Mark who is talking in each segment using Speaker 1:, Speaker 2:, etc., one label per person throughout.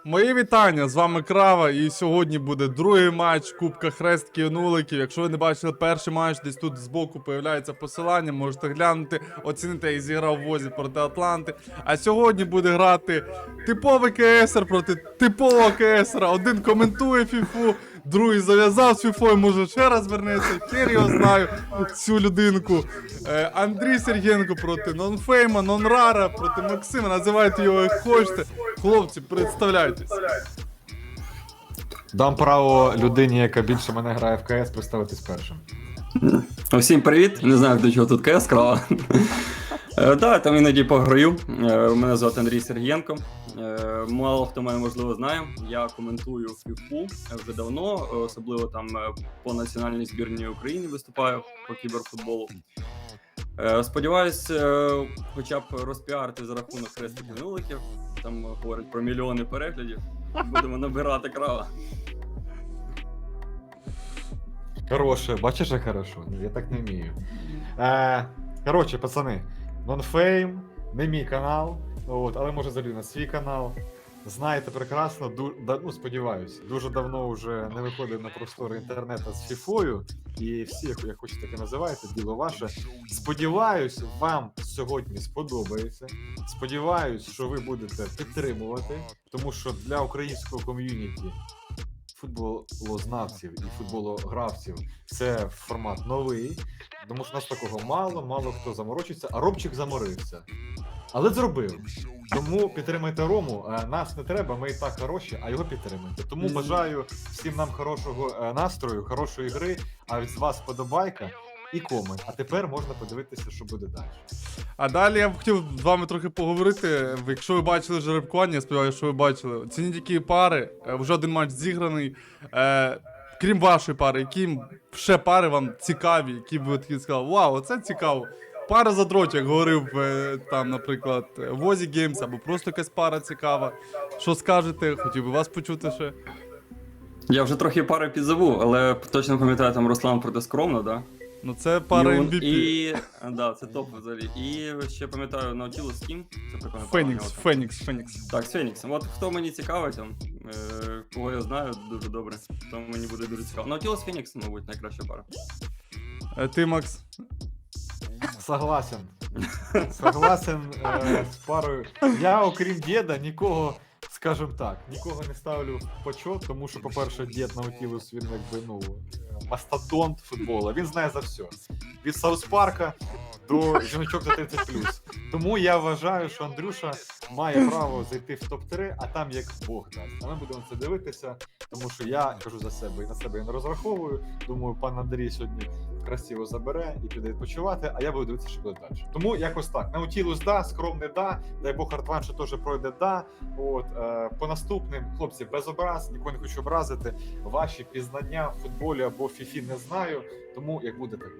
Speaker 1: Мої вітання, з вами Крава, і сьогодні буде другий матч Кубка Хрестків Нуликів. Якщо ви не бачили перший матч, десь тут збоку появляється посилання, можете глянути, оцінити, як зіграв Возі проти Атланти. А сьогодні буде грати типовий КСР проти типового КСРа. Один коментує фіфу, другий зав'язав з фіфою, може ще раз вернеться, хер його знаю, цю людинку. Андрій Сергієнко проти Нонфейма, Нонрара проти Максима, називайте його як хочете. Хлопці, представляйтесь.
Speaker 2: Дам право людині, яка більше мене грає в КС, представитись першим.
Speaker 3: Всім привіт, не знаю, до чого тут КС Крава. Так, там іноді пограю. Мене звати Андрій Сергієнко. Мало хто мене, можливо, знає. Я коментую фіфу вже давно, особливо там по національній збірній України виступаю по кіберфутболу. Сподіваюсь, хоча б розпіарити за рахунок Хрестків Нуликів. Там говорять про мільйони переглядів. Будемо набирати Крава.
Speaker 2: Хороше, бачиш, як хорошо? Я так не вмію. Коротше, пацани, Нонфейм, не мій канал, але може залю на свій канал. Знаєте прекрасно, ну сподіваюсь, дуже давно вже не виходив на простори інтернету з фіфою, і всі, як хочете таке називаєте, діло ваше. Сподіваюсь, вам сьогодні сподобається. Сподіваюсь, що ви будете підтримувати, тому що для українського ком'юніті футболознавців і футбологравців це формат новий, тому що нас такого мало хто заморочиться, а Ромчик заморився. Але зробив. Тому підтримайте Рому, нас не треба, ми і так хороші, а його підтримуйте. Тому бажаю всім нам хорошого настрою, хорошої гри, а від вас подобайка і комент. А тепер можна подивитися, що буде далі.
Speaker 1: А далі я б хотів з вами трохи поговорити. Якщо ви бачили жеребкування, я сподіваюся, що ви бачили. Оцініть, які пари, вже один матч зіграний. Крім вашої пари, які ще пари вам цікаві, які б ви такі сказали, вау, оце цікаво. Пара задротів, як говорив там, наприклад, Возі Геймс, або просто якась пара цікава. Що скажете? Хотів би вас почути ще.
Speaker 3: Я вже трохи пари підзову, але точно пам'ятаю там Руслан проти Скромно, да?
Speaker 1: Ну це пара MVP.
Speaker 3: І да, це топ взагалі. І ще пам'ятаю Nautilus Team, це прикольно.
Speaker 1: Фенікс.
Speaker 3: Так, з Феніксом. От хто мені цікавий там, кого я знаю дуже добре, то мені буде дуже цікаво. Nautilus Фенікс, мабуть, найкраща пара.
Speaker 1: Ти, Макс?
Speaker 2: Согласен. Согласен з парою. Я, окрім діда, нікого, скажімо так, нікого не ставлю в почет, тому що, по-перше, дід Наутілус, він якби, мастодонт футбола, він знає за все. Від Саус Парка до жіночок за 30+. Тому я вважаю, що Андрюша має право зайти в топ-3, а там як Бог дасть. А ми будемо це дивитися, тому що я кажу за себе, і на себе я не розраховую. Думаю, пан Андрій сьогодні красиво забере і піде відпочивати, а я буду дивитися, що буде далі. Тому якось так. Наутілус да, скромний да, дай Бог Артван, що теж пройде да. По наступним, хлопці, без образ, нікого не хочу образити. Ваші пізнання в футболі або в фіфі не знаю, тому як буде, так буде.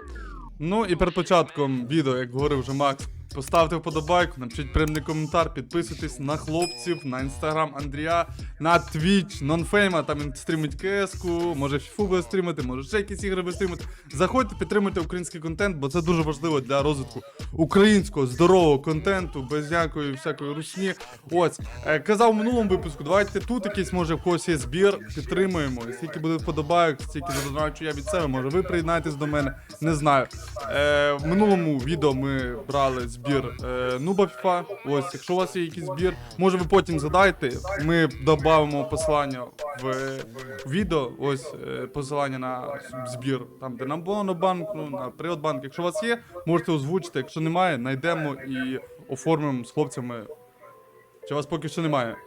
Speaker 1: Ну і перед початком відео, як говорив вже Макс, поставте вподобайку, напишіть приємний коментар, підписуйтесь на хлопців, на інстаграм Андрія, на Twitch, Нонфейма, там він стрімить КС-ку, може фіфу буде стрімити, може ще якісь ігри буде стрімити. Заходьте, підтримуйте український контент, бо це дуже важливо для розвитку українського здорового контенту, без ніякої всякої русні. Ось, казав в минулому випуску, давайте тут якийсь, може в когось є збір, підтримуємо. І скільки буде вподобайок, стільки задоначу я від себе, може ви приєднаєтесь до мене, не знаю. В минулому відео ми брали збір Нуба FIFA. Ось, якщо у вас є якийсь збір, може ви потім згадайте, ми додамо посилання в відео, ось посилання на збір, там де на Монобанк, на Приватбанк. Якщо у вас є, можете озвучити, якщо немає, знайдемо і оформимо з хлопцями. Чи у вас поки що немає?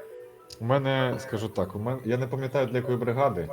Speaker 2: У мене, скажу так, я не пам'ятаю для якої бригади.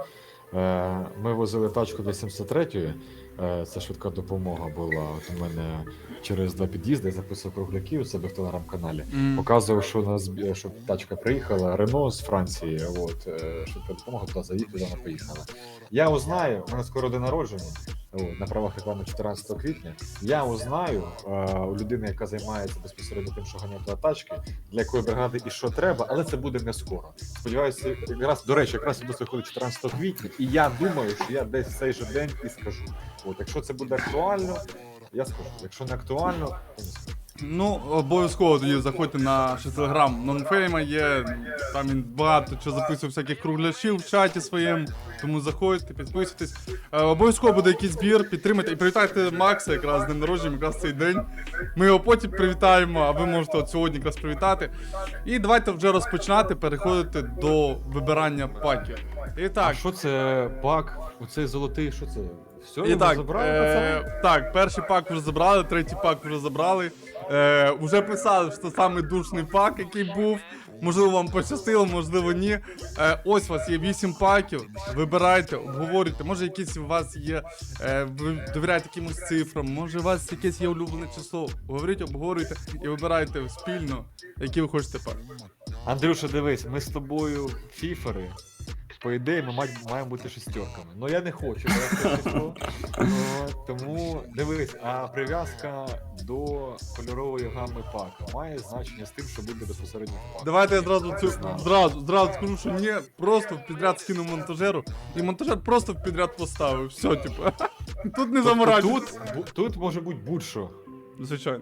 Speaker 2: Ми возили тачку для 73-ї, це швидка допомога була. От у мене через 2 під'їзди я записував кругляки у себе в телеграм-каналі. Показував, що тачка приїхала, Рено з Франції, швидка допомога туди заїхала, вона поїхала. Я узнаю, у мене скоро день народження, на правах реклами 14 квітня, я узнаю у людини, яка займається безпосередньо тим, що ганяє туди тачки, для якої бригади і що треба, але це буде не скоро. Сподіваюся, до речі, якраз відос виходить 14 квітня, і я думаю, що я десь цей же день і скажу. Якщо це буде актуально, я скажу. Якщо не актуально, то не скажу.
Speaker 1: Ну, обов'язково тоді заходьте на ще телеграм Нонфейма є, там він багато чого записує всяких кругляшів в чаті своєму, тому заходьте, підписуйтесь. Обов'язково буде якийсь збір, підтримайте і привітайте Макса якраз з днем народження, якраз цей день. Ми його потім привітаємо, а ви можете от сьогодні якраз привітати. І давайте вже розпочинати, переходити до вибирання паків. І
Speaker 2: А
Speaker 1: так,
Speaker 2: що це пак? Оцей золотий, що це? Все,
Speaker 1: І
Speaker 2: його
Speaker 1: так,
Speaker 2: забрали, пацани?
Speaker 1: так, перший пак вже забрали, третій пак вже забрали. Уже писали, що це самий душний пак, який був. Можливо, вам пощастило, можливо, ні. Ось у вас є 8 паків. Вибирайте, обговорюйте. Може, якісь у вас є. Ви довіряєте якимось цифрам, може, у вас якесь є улюблене число. Говоріть, обговорюйте і вибирайте спільно, який ви хочете пак.
Speaker 2: Андрюша, дивись, ми з тобою фіфери. По ідеї, ми маємо бути шестерками. Ну я не хочу, бо я це число. Тому дивись, а прив'язка до кольорової гами пака має значення з тим, що буде безпосередньо в паку.
Speaker 1: Давайте я зразу скажу, що ні, просто в підряд скину монтажеру, і монтажер просто в підряд поставив. Все, типу. Тут не заморачуйтесь.
Speaker 2: Тут може бути будь-що.
Speaker 1: Звичайно.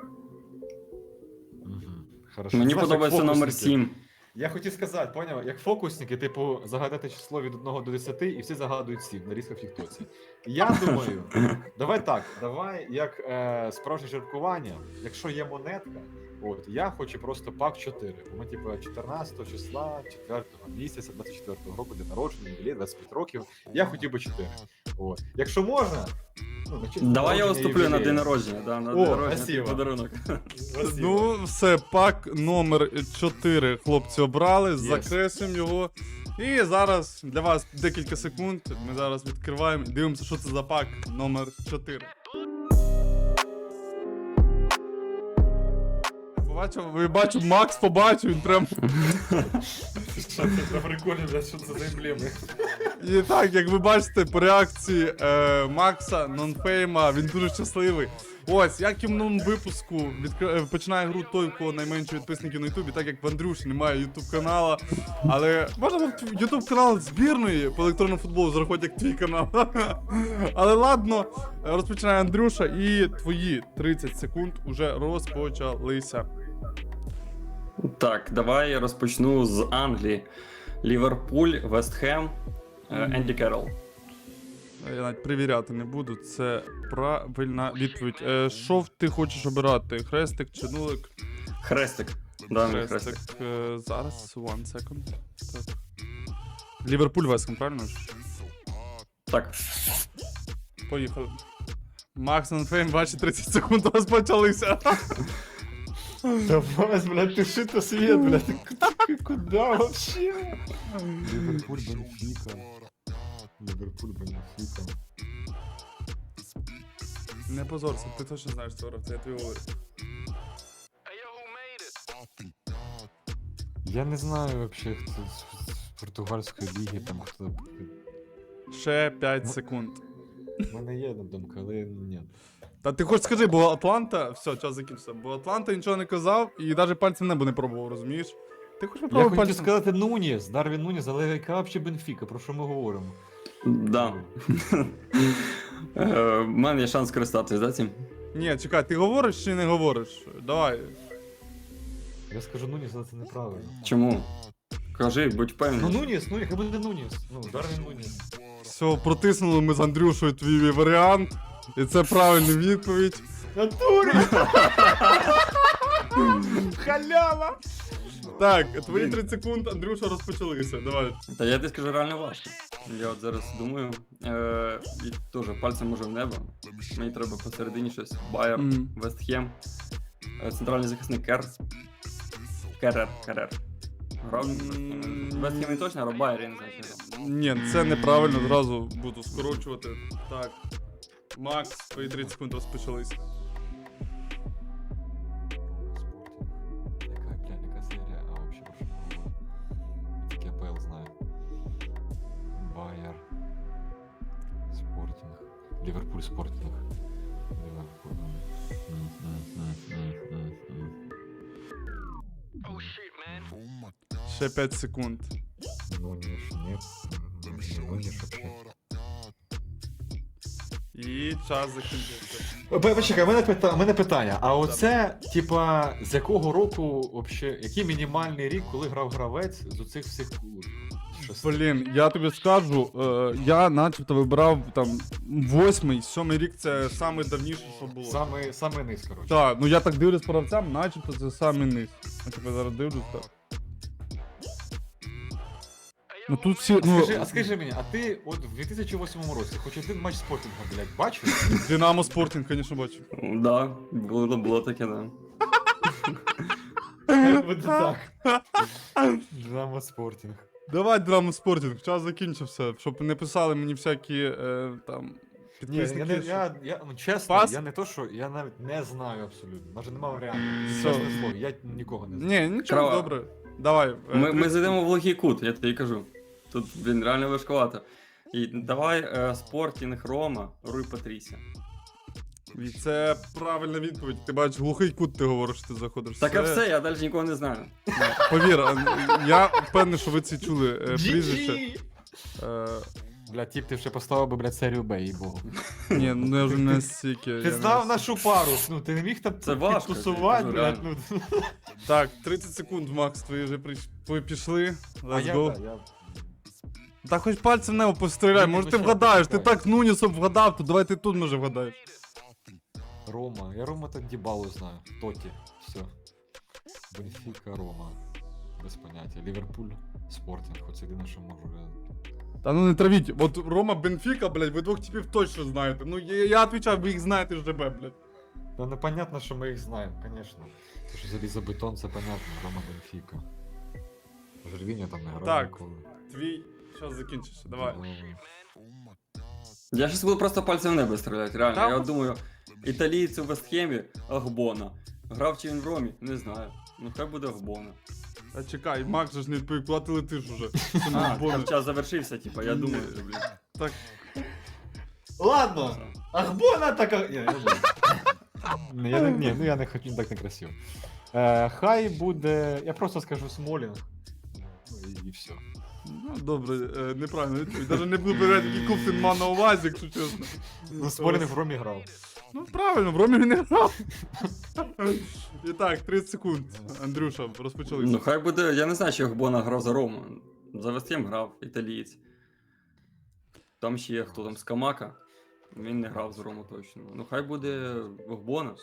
Speaker 2: Хорошо.
Speaker 3: Мені
Speaker 2: Знаєш, як
Speaker 3: подобається номер
Speaker 2: фокусники.
Speaker 3: 7.
Speaker 2: Я хотів сказати, поняв, як фокусники, типу, загадати число від 1 до 10 і всі загадують 7 на різках в тіктоці. Я думаю, давай як справжнє жеребкування, якщо є монетка, от, я хочу просто пак 4. Бо ми, типу, 14 числа, 4 місяця, 24 року, день народження, ювілей, 25 років, я хотів би 4. От. Якщо можна, ну, на честь
Speaker 3: Давай я
Speaker 2: народження
Speaker 3: виступлю на
Speaker 2: ювілея.
Speaker 3: день народження. Да, на
Speaker 2: О,
Speaker 3: день народження
Speaker 2: спасибо.
Speaker 3: твій подарунок.
Speaker 2: Спасибо.
Speaker 1: Ну, все, пак номер 4 хлопці обрали,
Speaker 2: Yes.
Speaker 1: закреслюємо його. І зараз для вас декілька секунд. Ми зараз відкриваємо і дивимося, що це за пак номер 4. Бачу, Макс побачив, він прям.
Speaker 2: Що це за прикольно, блядь, що це за емблеми?
Speaker 1: І так, як ви бачите, по реакції Макса, Нонфейма, він дуже щасливий. Ось, як і в минулому випуску починає гру той, у кого найменше підписників на Ютубі, так як в Андрюші немає Ютуб канала. Але можна Ютуб канал збірної по електронному футболу зарахувати як твій канал. Але ладно, розпочинає Андрюша, і твої 30 секунд уже розпочалися.
Speaker 3: Так, давай я розпочну з Англії. Ліверпуль, Вестхем, Енді Керрол.
Speaker 1: Я навіть перевіряти не буду, це правильна відповідь. Що ти хочеш обирати? Хрестик чи нулик?
Speaker 3: Хрестик. Да, мій хрестик.
Speaker 1: Зараз, one second. Так. Ліверпуль Вестхем, правильно ж?
Speaker 3: Так.
Speaker 1: Поїхали. Макс Нонфейм, ваші 30 секунд розпочалися.
Speaker 2: Давай, блядь, ты что-то свет, блядь, ты куда вообще? Ливерпуль, Бенфика. Ливерпуль, Бенфика.
Speaker 1: Не позорся, ти точно знаєш цього гравця, я тобі говорю.
Speaker 2: Я не знаю вообще, кто з португальської ліги, там хто...
Speaker 1: Ще 5 секунд.
Speaker 2: У мене є одна думка, але ні.
Speaker 1: Та ти хоч скажи, бо Атланта, все, час закінчився, бо Атланта нічого не казав і навіть пальцем в небо не пробував, розумієш? Ти хоч
Speaker 2: Я
Speaker 1: попробуй
Speaker 2: хотів
Speaker 1: пальцем.
Speaker 2: сказати Нуніс, Дарвін Нуніс, але яка вообще Бенфіка, про що ми говоримо?
Speaker 3: Да. У мене є шанс користатись, да, цим?
Speaker 1: Ні, чекай, ти говориш чи не говориш? Давай.
Speaker 2: Я скажу Нуніс, але це неправильно.
Speaker 3: Чому? Кажи, будь
Speaker 2: Ну
Speaker 3: впевнений.
Speaker 2: Нуніс, хай буде Нуніс. Ну, Дарвін Нуніс.
Speaker 1: Все, протиснули ми з Андрюшою твій варіант. І це правильна відповідь.
Speaker 2: Натурі! Халява!
Speaker 1: Так, твої 30 секунд, Андрюша, розпочалися. Давай.
Speaker 3: Та я тобі скажу реально важко. Я от зараз думаю. І теж пальцем може в небо. Мені треба посередині щось. Байер,
Speaker 1: Мгм.
Speaker 3: Вестхем, центральний захисник Керрер. Грав Вестхем не точно, а Байер, я не знаю, що там.
Speaker 1: Ні, це неправильно, зразу буду скорочувати. Так. Макс, твої 30 секунд розпочалися.
Speaker 2: Яка серія? А вообще про що ми говоримо? Тільки АПЛ знаю. Байер. Спортинг. Ліверпуль Спортинг. Ліверпуль.
Speaker 1: Ще 5 секунд.
Speaker 2: Нуніш, нет. Нуніш вообще.
Speaker 1: І час закінчився.
Speaker 2: Почекай, у мене питання. А оце, типа, з якого року вообще, який мінімальний рік, коли грав гравець з оцих всіх шести?
Speaker 1: Блін, я тобі скажу, я начебто вибрав там 8-й, 7-й рік це самий давніший, що було.
Speaker 2: Саме низ, коротше.
Speaker 1: Так, ну я так дивлюсь по гравцям, начебто це самий низ. Я тебе зараз дивлюсь, так. Ну тут всі,
Speaker 2: А скажи мені, а ти от в 2008 році хоч один матч спортінга, блядь, бачив?
Speaker 1: Динамо Спортінг, звісно, бачу.
Speaker 3: Да, було таке, да.
Speaker 2: Буде так. Динамо спортінг.
Speaker 1: Давай Динамо Спортінг, час закінчився, щоб не писали мені всякі там
Speaker 2: Ні, я,
Speaker 1: підписники.
Speaker 2: ну, чесно,
Speaker 1: Пас?
Speaker 2: я не то, що я навіть не знаю абсолютно. Навіть нема варіантів.
Speaker 1: Все.
Speaker 2: Чесне слово, я нікого не знаю.
Speaker 1: Ні, нічого,
Speaker 3: Трава.
Speaker 1: добре. Давай.
Speaker 3: Ми зайдемо в логій кут, я тобі кажу. Тут, блін, реально важкувато. І давай Спортінг Рома, Руй Патрісія.
Speaker 1: І це правильна відповідь. Ти бачиш, глухий кут ти говориш, ти заходиш.
Speaker 3: Так а все, я далі нікого не знаю.
Speaker 1: Повір, я впевнений, що ви це чули прізвище.
Speaker 2: Бля, тіп, ти вже поставив би, блядь, серію Б, їй богу.
Speaker 1: Ні, ну я вже не стільки.
Speaker 2: Ти знав нашу пару, ну ти не міг там
Speaker 3: Це важко,
Speaker 2: підтусувати,
Speaker 3: це
Speaker 2: блядь,
Speaker 3: реально.
Speaker 2: ну.
Speaker 1: Так, 30 секунд, Макс, твої вже пішли.
Speaker 2: А
Speaker 1: Let's
Speaker 2: я,
Speaker 1: go.
Speaker 2: да, я...
Speaker 1: Та хоч пальцем в небо постріляй,
Speaker 2: Ні,
Speaker 1: може
Speaker 2: ну
Speaker 1: ти
Speaker 2: що,
Speaker 1: вгадаєш, ти
Speaker 2: почекай.
Speaker 1: так Нунісом вгадав, то давай ти тут може вгадаєш.
Speaker 2: Рома, я Рома так Дібалу знаю. Тоті, все. Бенфіка, Рома. Без поняття. Ліверпуль, Спортінг, хоч єдине, що можу.
Speaker 1: Та ну не травіть, от Рома Бенфіка, блядь, ви двох типів точно знаєте. Ну я відповідаю, ви їх знаєте ЖБ, блядь.
Speaker 2: Ну непонятно, що ми їх знаємо, звісно. Те, що залізобетон, це понятно, Рома Бенфіка. Жервіньо там не грав
Speaker 1: Так.
Speaker 2: ніколи.
Speaker 1: Твій час закінчився, давай.
Speaker 3: Я щас буду просто пальцем в небо стріляти, реально.
Speaker 1: Та
Speaker 3: Я
Speaker 1: ну.
Speaker 3: от думаю, італієць у Вестхемі Агбона. Грав чи він в Ромі? Не знаю. Ну хай буде Агбона.
Speaker 1: А чекай, Макс же ж не відповів, куди ти летиш уже. Це
Speaker 3: А,
Speaker 1: не бонус.
Speaker 3: там час завершився, типа, я
Speaker 1: Ні.
Speaker 3: думаю, блін.
Speaker 1: Так,
Speaker 2: Ладно, Ахбона така. Ні, я не хочу, так не красиво. Хай буде. Я просто скажу Смолінг. Ну і все.
Speaker 1: ну добре, неправильно відповідь. Даже не буду перевіряти, який клуб ти мав на увазі, якщо чесно.
Speaker 2: Ну, Смолінг в Ромі грав.
Speaker 1: Ну правильно, в Ромі він не грав. І так, 30 секунд. Андрюша, розпочали.
Speaker 3: Ну хай буде, я не знаю, чи Агбона грав за Рому. За Вестхем грав, італієць. Там ще є хто там, Скамака. Він не грав за Рому точно. Ну хай буде Агбона.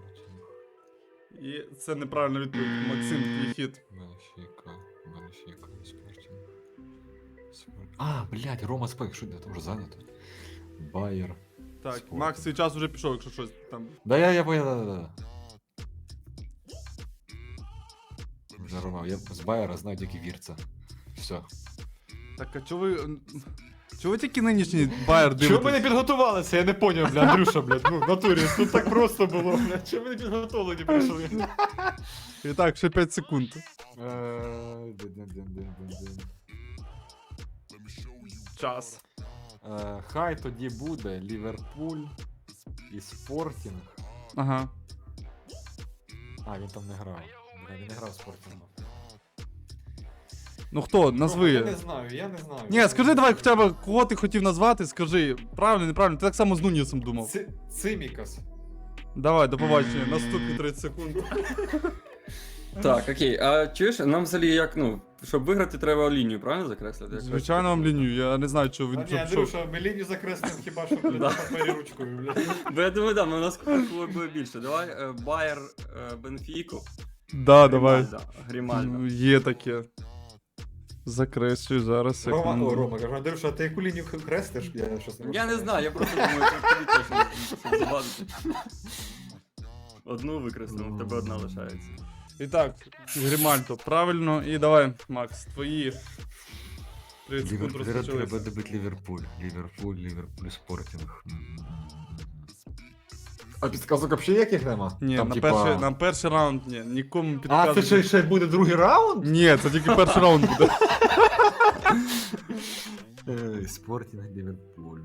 Speaker 1: І це неправильна відповідь. Максим, твій хід.
Speaker 2: Бенфіка, Спортінг. А, блядь, Рома Спек, що там вже зайнято? Байер.
Speaker 1: Так,
Speaker 2: Спортінг.
Speaker 1: Макс, свій час вже пішов, якщо щось там.
Speaker 2: Да, я понял, да. Вже Рома, я з Байера знаю тільки Вірца. Все.
Speaker 1: Так, а чого ви. Чого ви тільки нинішній Байер дивитесь?
Speaker 2: Чого ми не підготувалися? Я не поняв, бля, Андрюша, блядь, ну, в натурі, тут так просто було, блядь, чого ми не підготовлені прийшли?
Speaker 1: І так, ще 5 секунд. Час.
Speaker 2: Хай тоді буде Ліверпуль і Спортінг.
Speaker 1: Ага.
Speaker 2: А, він там не грав. Бля, він не грав в Спортінгу.
Speaker 1: Ну хто, назви.
Speaker 2: Я не знаю.
Speaker 1: Ні, скажи давай хоча б, кого ти хотів назвати, скажи. Правильно, неправильно, ти так само з Нунісом думав.
Speaker 2: Цимікас.
Speaker 1: Давай, до побачення. Наступні 30 секунд.
Speaker 3: Так, окей. А чуєш, нам взагалі як, ну, щоб виграти, треба лінію, правильно закреслити? Як
Speaker 1: Звичайно, вам лінію, я не знаю, чого він
Speaker 2: Ні,
Speaker 1: щоб
Speaker 2: Андрюша, ми лінію закреслимо хіба що, блядь, на папері ручкою, блядь.
Speaker 3: Бо я думаю, да, у нас кого буде більше. Давай Байер Бенфіку.
Speaker 1: Да, давай.
Speaker 3: Грімальда.
Speaker 1: Є таке. Закреслюй зараз. секунду.
Speaker 2: Рома, кажу, Андрюша, а ти яку лінію креслиш? Я щось
Speaker 3: Я не знаю, я просто думаю, що тобі точно щоб завадити. Одну викреслимо, в тебе одна лишається.
Speaker 1: І так, Грімальто, правильно. І давай, Макс, твої 30 секунд розпочалися.
Speaker 2: добити Ліверпуль, Спортінг. А підказок взагалі яких нема?
Speaker 1: Ні,
Speaker 2: Там,
Speaker 1: на перший раунд ні, нікому
Speaker 2: А,
Speaker 1: підказувати.
Speaker 2: це ще буде другий раунд?
Speaker 1: Ні, це тільки перший раунд буде.
Speaker 2: Спортінг, Ліверпуль.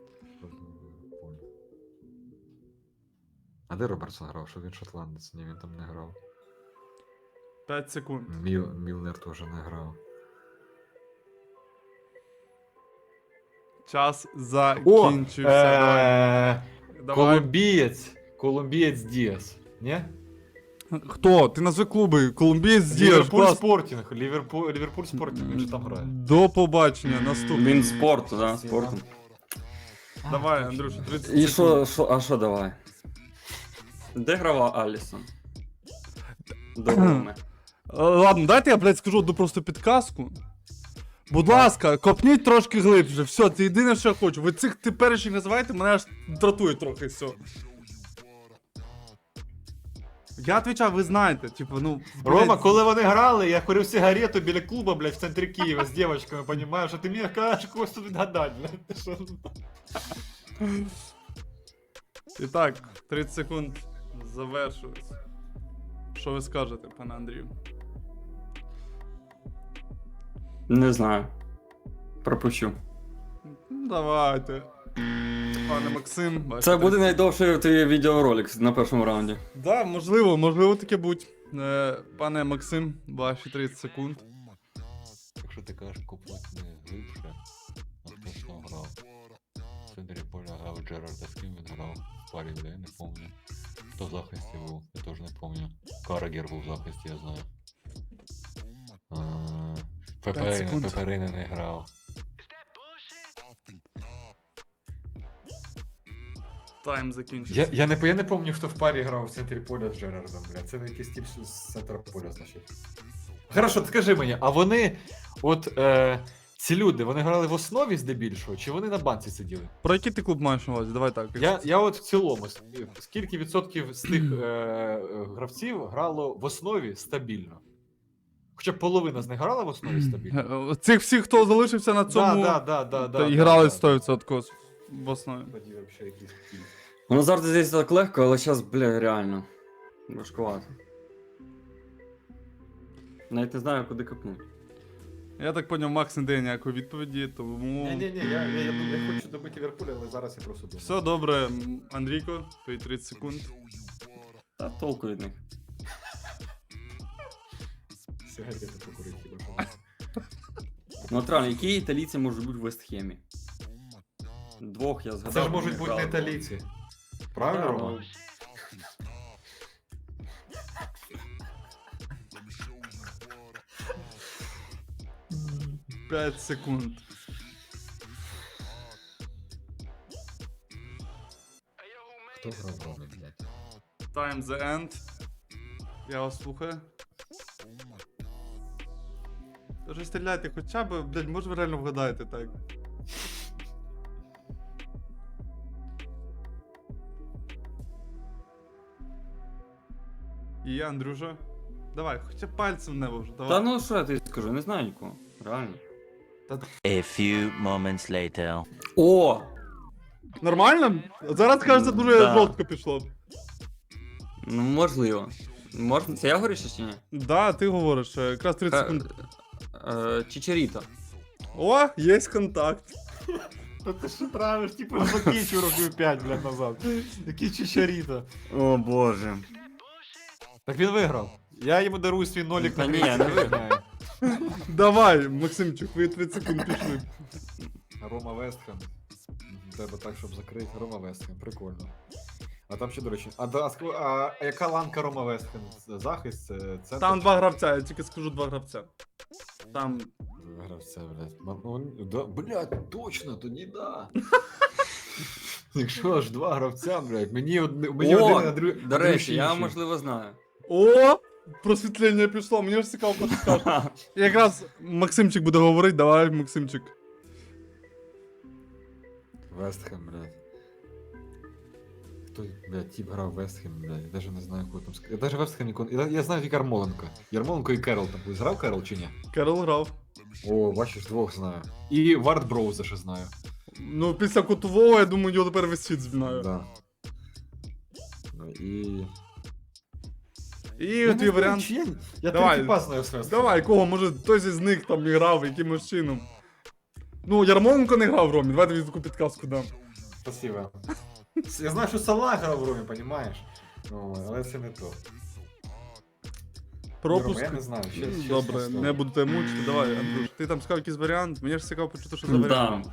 Speaker 2: А де Робертсон грав? Що він шотландець? Ні, він там не грав.
Speaker 1: 5 секунд.
Speaker 2: Мілнер теж не грав.
Speaker 1: Час закінчився. Давай. Давай.
Speaker 2: Колумбієць Діас. Ні?
Speaker 1: Хто? Ти назви клуби. Колумбієць Діаш.
Speaker 2: Ліверпуль
Speaker 1: Клас.
Speaker 2: Спортінг. Ліверпуль Спортінг, він же там грає.
Speaker 1: До побачення. Наступний.
Speaker 3: Він спорт, да, спортом.
Speaker 1: Давай, Андрюша, 30
Speaker 3: І
Speaker 1: секунд.
Speaker 3: що давай? Де грала Алісон? До Роми.
Speaker 1: Ладно, дайте я, блядь, скажу одну просто підказку. Будь ласка, копніть трошки глибше. Все, це єдине, що я хочу. Ви цих теперішніх називаєте, мене аж дратує трохи все. Я відповідав, ви знаєте, типу, ну.
Speaker 2: Рома,
Speaker 1: блядь,
Speaker 2: коли вони грали, я курив сигарету біля клуба, блядь, в центрі Києва з дівчатками, понімаєш, а ти мені кажеш когось тут відгадати, блядь. Ти що?
Speaker 1: І так, 30 секунд завершилось. Що ви скажете, пане Андрію?
Speaker 3: Не знаю. Пропущу.
Speaker 1: Ну, давайте. Пане Максим, ваші
Speaker 3: Це буде
Speaker 1: 30
Speaker 3: найдовший твій відеоролик на першому раунді.
Speaker 1: Да, можливо таке будь. Пане Максим, ваші 30 секунд.
Speaker 4: Якщо ти кажеш купнути не глибше, а хто ж там грав? В центрі поля грав Джерарда, з ким він грав? В парі, бля, я не пам'ятаю. Хто в захисті був, я теж не пам'ятаю. Карагер був в захисті, я знаю.
Speaker 1: секунд.
Speaker 4: Пеперини не грав.
Speaker 1: Тайм закінчився.
Speaker 2: Я не пам'ятаю, хто в парі грав в центрі поля з Джерардом, блядь. Це якийсь тип з центра поля, значить. Хорошо, скажи мені, а вони, ці люди, вони грали в основі здебільшого, чи вони на банці сиділи?
Speaker 1: Про який ти клуб маєш на увазі? Давай так.
Speaker 2: Я от в цілому, скільки відсотків з тих гравців грало в основі стабільно? Хоча б половина з них грала в основі стабільно?
Speaker 1: Цих всіх, хто залишився на цьому,
Speaker 2: Да.
Speaker 1: і грали 100% в основі.
Speaker 2: Тоді вообще якийсь кіт.
Speaker 3: Воно завжди здається так легко, але зараз, бля, реально. Важкувато. Навіть не знаю, куди копнути.
Speaker 1: Я так поняв, Макс не дає ніякої відповіді, тому.
Speaker 2: Ні, я хочу добити Ліверпуля, але зараз я просто думаю.
Speaker 1: Все добре, Андрійко, твої 30 секунд.
Speaker 3: Та толку від них.
Speaker 2: Сигарети покурити хіба що.
Speaker 3: Ну от реально, які італійці можуть бути в Вестхемі? Двох я згадав.
Speaker 2: Це ж
Speaker 3: вони
Speaker 2: можуть бути не
Speaker 3: грали.
Speaker 2: італійці. Правильно,
Speaker 3: Да,
Speaker 2: Рома?
Speaker 3: ну.
Speaker 1: 5 секунд.
Speaker 4: Хто грав в Ромі, блядь?
Speaker 1: Time the end. Я вас слухаю. Тож стріляйте хоча б, блядь, може ви реально вгадаєте так. І Андрюша. Давай, хоча б пальцем в небо вже, давай.
Speaker 3: Та ну що я тобі скажу, не знаю нікого. Реально.
Speaker 5: A few moments later.
Speaker 3: О!
Speaker 1: Нормально? Зараз, кажеться, дуже
Speaker 5: Да.
Speaker 1: жорстко пішло.
Speaker 3: Ну можливо. Можна. Це я говорю ще чи ні?
Speaker 1: Да, ти говориш, якраз 30 секунд.
Speaker 3: Чичеріто.
Speaker 1: О, є контакт.
Speaker 2: Та ти що травиш, типу, закінчив років 5, блядь, назад. Який чичаріто.
Speaker 3: О боже.
Speaker 2: Так він виграв. Я йому дарую свій нолік
Speaker 3: Та
Speaker 2: на
Speaker 3: ні,
Speaker 2: 30
Speaker 3: не виграв.
Speaker 1: Давай, Максимчик, ви 30 секунд пішли.
Speaker 2: Рома Вестхем. Треба так, щоб закрити. Рома Вестхем, прикольно. А там ще, до речі, а яка ланка Рома Вестхем? Захист, центр?
Speaker 1: Там два гравця, я тільки скажу два гравця. Там.
Speaker 2: Гравця, блядь. Блядь, точно, тоді да. Якщо аж два гравця, блядь, мені один, а другий.
Speaker 3: До речі, я можливо знаю.
Speaker 1: О! Просвітлення пішло, мені ж цікаво, що ти скажеш. Якраз Максимчик буде говорити, давай, Максимчик.
Speaker 2: Вестхем, блядь. Хто, блядь, тип грав Вестхем, блядь, я даже не знаю, кого там сказати. Я даже Вестхем ніколи... Я знаю тільки Ярмоленко. Ярмоленко і Керол там. Грав Керол чи ні?
Speaker 1: Керол грав.
Speaker 2: О, бачиш, двох знаю. І Вард Броуза ще знаю.
Speaker 1: Ну, після Кутового, я думаю, його тепер весь світ знає.
Speaker 2: Да. Ну і...
Speaker 1: І твій варіант.
Speaker 2: Я
Speaker 1: Давай.
Speaker 2: тільки пас знаю з Вестхем.
Speaker 1: Давай, кого, може хтось із них там і грав, якимось чином. Ну, Ярмоленко не грав в Ромі, давай тобі таку підказку дам.
Speaker 2: Спасибо. Я знаю, що Салах грав в Ромі, понімаєш? Ну, але це не то.
Speaker 1: Пропуск.
Speaker 2: Рома, я не знаю,
Speaker 1: Добре, не буду тебе мучити, давай, Андрюш. Ти там сказав якийсь варіант, мені ж цікаво почути, що за
Speaker 3: Да.
Speaker 1: варіант.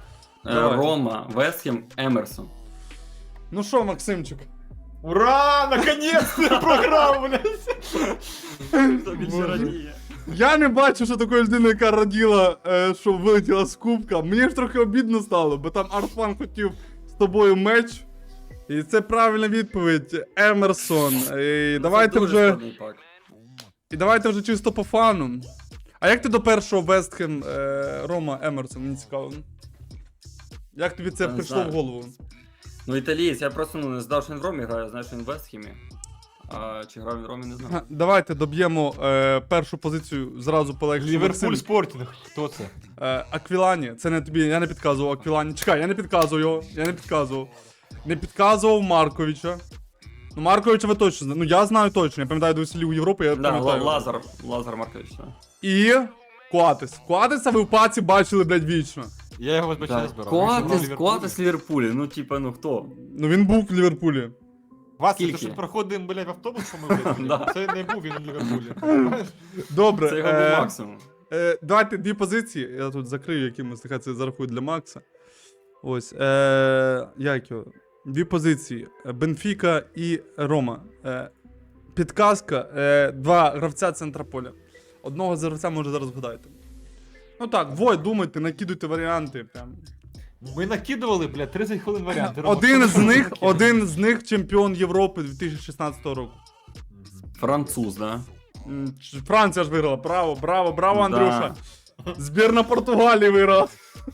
Speaker 1: Давай.
Speaker 3: Рома, Вестхем, Емерсон.
Speaker 1: Ну що, Максимчик?
Speaker 2: Ура! Наконец-то я програв, блядь!
Speaker 3: Хто більше
Speaker 1: Боже.
Speaker 3: радіє?
Speaker 1: Я не бачу, що такої людини, яка раділа, що вилетіла з кубка. Мені ж трохи обідно стало, бо там Артфан хотів з тобою меч. І це правильна відповідь. Емерсон. І давайте
Speaker 3: Це дуже
Speaker 1: вже.
Speaker 3: складний пак.
Speaker 1: І давайте вже чисто по фану. А як ти до першого Вестхем Рома Емерсон? Мені цікаво. Як тобі це
Speaker 3: Я не
Speaker 1: прийшло
Speaker 3: знаю.
Speaker 1: в голову?
Speaker 3: Ну, італієць, я просто не знав, що він в Ромі грає, знаю, що він в Вестхемі. А чи грав він в Ромі, не знаю.
Speaker 1: Га, Давайте доб'ємо першу позицію зразу полегше.
Speaker 2: Ліверпуль Спортінг. Хто це?
Speaker 1: Аквілані, це не тобі, я не підказував Аквілані. Чекай, я не підказував його, я не підказував. Не підказував Марковича. Ну, Марковича ви точно знаєте. Ну, я знаю точно, я пам'ятаю до веселі у Європі, я
Speaker 3: Да,
Speaker 1: пам'ятаю.
Speaker 3: Лазар Маркович, так.
Speaker 1: І Куатес. Куатеса ви в паці бачили, блядь, вічно.
Speaker 2: Я його вибачте не збирав.
Speaker 3: Коатес Ліверпулі, ну типа, ну хто?
Speaker 1: Ну він був в Ліверпулі.
Speaker 2: Вася, ти
Speaker 3: Скільки?
Speaker 2: що проходимо, блядь, в автобус, що ми блядь?
Speaker 3: Да.
Speaker 2: Це не був він в Ліверпулі.
Speaker 1: Добре.
Speaker 3: Це його був максимум.
Speaker 1: Давайте дві позиції. Я тут закрию якимось, нехай це зарахують для Макса. Ось. Як його? Дві позиції. Бенфіка і Рома. Підказка. Два гравця центра поля. Одного з гравця може зараз вгадаєте. Ну так, двоє думайте, накидуйте варіанти. Прям.
Speaker 2: Ми накидували, блядь, 30 хвилин варіанти. Рома,
Speaker 1: Один
Speaker 2: що
Speaker 1: з
Speaker 2: ми
Speaker 1: них,
Speaker 2: накидали?
Speaker 1: один з них чемпіон Європи 2016 року.
Speaker 3: Француз, да?
Speaker 1: Франція ж виграла. Браво, браво, браво,
Speaker 3: Да.
Speaker 1: Андрюша. Збірна Португалії виграла.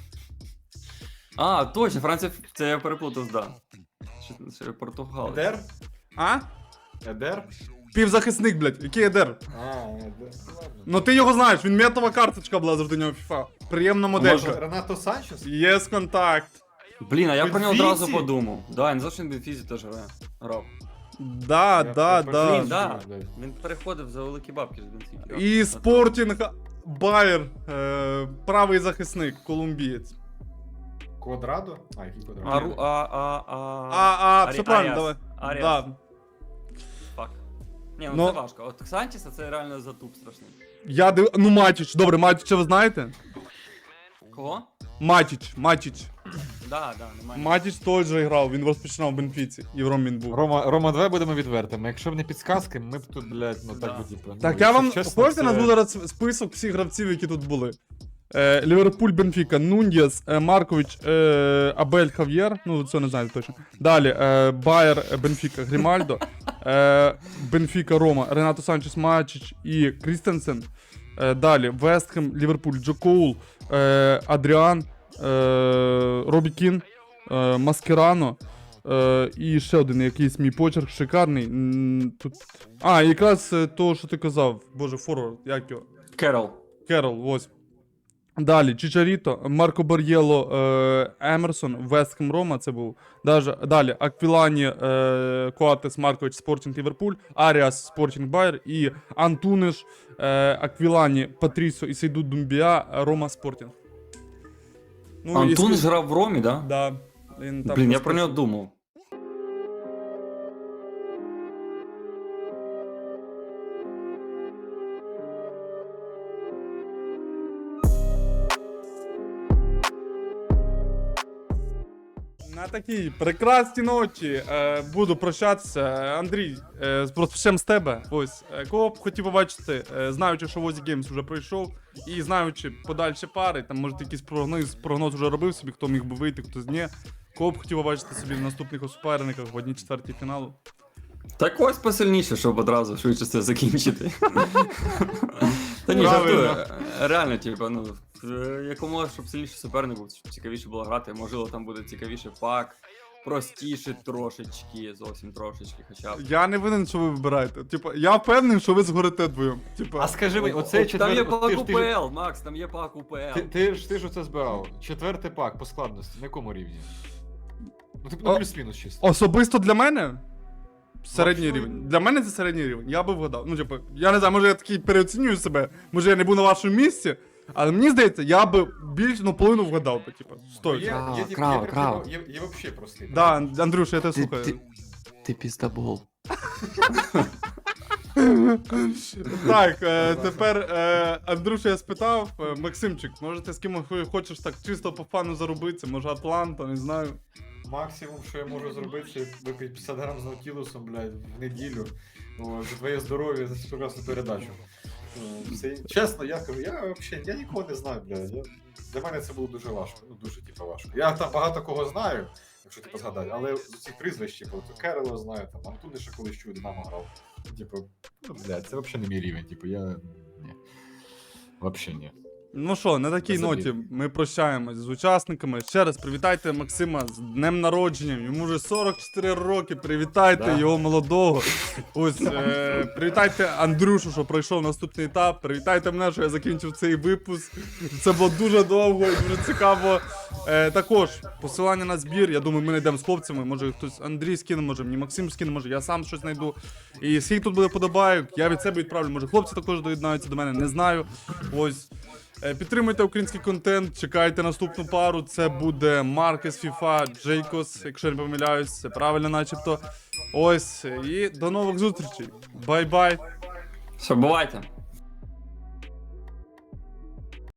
Speaker 3: А, точно, Франція, це я переплутав, да. Ще Португал.
Speaker 2: Едер?
Speaker 1: А?
Speaker 2: Едер?
Speaker 1: Півзахисник, блядь. Який Едер?
Speaker 2: Едер.
Speaker 1: Ну ти його знаєш, він метова карточка була завжди у нього в FIFA. Приємна моделька.
Speaker 2: Ренато Санчес?
Speaker 1: Є контакт.
Speaker 3: Блін, а я про нього
Speaker 2: Бенфіці?
Speaker 3: одразу подумав. Да, я не знав, що він в Бенфізі теж грав.
Speaker 1: Да, да,
Speaker 2: Я
Speaker 1: да.
Speaker 3: Блін, да.
Speaker 2: блядь.
Speaker 3: Він переходив за великі бабки з Бенфіки.
Speaker 1: І Спортінг Байер, правий захисник, колумбієць.
Speaker 2: Квадрадо? А, який
Speaker 3: А,
Speaker 2: Квадрадо?
Speaker 1: Все правильно, давай.
Speaker 3: Аріас.
Speaker 1: Да.
Speaker 3: Фак. Ні, ну
Speaker 1: Ну.
Speaker 3: це важко. От Санчеса це реально затуп страшний.
Speaker 1: Ну Матіч, добре, Матіча ви знаєте?
Speaker 3: Кого?
Speaker 1: Матіч.
Speaker 3: Да, немає.
Speaker 1: Матіч теж грав, він розпочинав в Бенфіці. І в Ром він був.
Speaker 2: Рома, давай будемо відвертими. Якщо б не підсказки, ми б тут, блядь, ну так
Speaker 3: Да.
Speaker 2: би типу.
Speaker 1: Так,
Speaker 2: ну,
Speaker 1: я вам
Speaker 2: якщо чесно,
Speaker 1: хочете
Speaker 2: це-
Speaker 1: назву зараз список всіх гравців, які тут були. Ліверпуль, Бенфіка, Нуньєс, Маркович, Абель Хав'єр, ну це не знаю точно. Далі, Байер, Бенфіка, Грімальдо, Бенфіка, Рома, Ренато Санчес, Матіч і Крістенсен. Далі, Вестхем, Ліверпуль, Джо Коул, Адріан, Робі Кін, Маскерано. І ще один якийсь мій почерк шикарний. Тут... А, якраз того, що ти казав, боже, форвард, як його?
Speaker 3: Керол.
Speaker 1: Керол, ось. Далі, Чичаріто, Марко Бар'єло, Емерсон, Вестхем Рома, це був. Далі, Аквілані, Коатес, Маркович, Спортінг Ліверпуль, Аріас, Спортінг Байер і Антуниш, Аквілані, Патрісо і Сейду Думбія, Рома, Спортінг. Ну,
Speaker 3: Антон
Speaker 1: і-
Speaker 3: ж грав в Ромі, да?
Speaker 1: Да. Він там
Speaker 3: Блін, я
Speaker 1: просто-
Speaker 3: про нього думав.
Speaker 1: На такій прекрасній ночі буду прощатися. Андрій, розпочнемо з тебе. Ось, кого б хотів побачити, знаючи, що Возі Геймс вже пройшов, і знаючи подальші пари, там може якийсь прогноз вже робив собі, хто міг би вийти, хтось ні. Кого б хотів побачити собі в наступних суперниках в 1/4 фіналу.
Speaker 3: Так ось посильніше, щоб одразу швидше це закінчити. Та ні,
Speaker 1: Правильно.
Speaker 3: жартую. Реально, типу, ну, якомога, щоб сильніше суперник був, щоб цікавіше було грати. Можливо, там буде цікавіше пак, простіше трошечки, зовсім трошечки, хоча б.
Speaker 1: Я не винен, що ви вибираєте. Типу, я впевнений, що ви згорите двоєм. Типу,
Speaker 2: А скажи мені, оцей
Speaker 3: Там є
Speaker 2: четвертий...
Speaker 3: пак УПЛ, Макс, там є пак УПЛ.
Speaker 2: Ти ж оце збирав. Четвертий пак по складності, на якому рівні? Ну, типу,
Speaker 1: О,
Speaker 2: ну, плюс-мінус чисто.
Speaker 1: особисто для мене середній
Speaker 2: Максимум.
Speaker 1: рівень. Для мене це середній рівень. Я би вгадав. Ну, типу, я не знаю, може я такий переоцінюю себе, може я не був на вашому місці, але мені здається, я би більше, ну, половину вгадав би, типу, стоїть.
Speaker 2: Є вообще простий.
Speaker 1: Да, Андрюш, я тебе слухаю.
Speaker 3: Ти піздабол.
Speaker 1: Так, тепер Андрюша я спитав, Максимчик, може ти з ким хочеш так чисто по фану заробитися, може Атланта, не знаю.
Speaker 2: Максимум, що я можу зробити, це випити 50 грам з Наутілусом, блядь, в неділю. О, за твоє здоров'я, за цю прекрасну передачу. Чесно, я кажу, я нікого не знаю, блядь. Для мене це було дуже важко. Ну, дуже, типу, важко. Я там багато кого знаю, якщо типу згадати, але з цих прізвищ, типу, Керело знаю, там, Антуни ще колись чув, Динамо грав. Типу, ну, блядь, це взагалі не мій рівень, типу, ні. Взагалі ні.
Speaker 1: Ну що, на такій
Speaker 2: Забіг.
Speaker 1: ноті ми прощаємось з учасниками. Ще раз привітайте Максима з днем народження. Йому вже 44 роки. Привітайте
Speaker 2: Да.
Speaker 1: його молодого. Ось привітайте Андрюшу, що пройшов наступний етап. Привітайте мене, що я закінчив цей випуск. Це було дуже довго і дуже цікаво. Також посилання на збір. Я думаю, ми знайдемо з хлопцями. Може хтось Андрій скине, може мені Максим скине, може я сам щось знайду. І скільки тут буде подобайок, я від себе відправлю. Може хлопці також доєднаються до мене, не знаю. Ось. Підтримуйте український контент, чекайте наступну пару. Це буде Маркес FIFA, Джейкос, якщо я не помиляюсь, це правильно начебто. Ось, і до нових зустрічей. Бай-бай.
Speaker 3: Все, бувайте.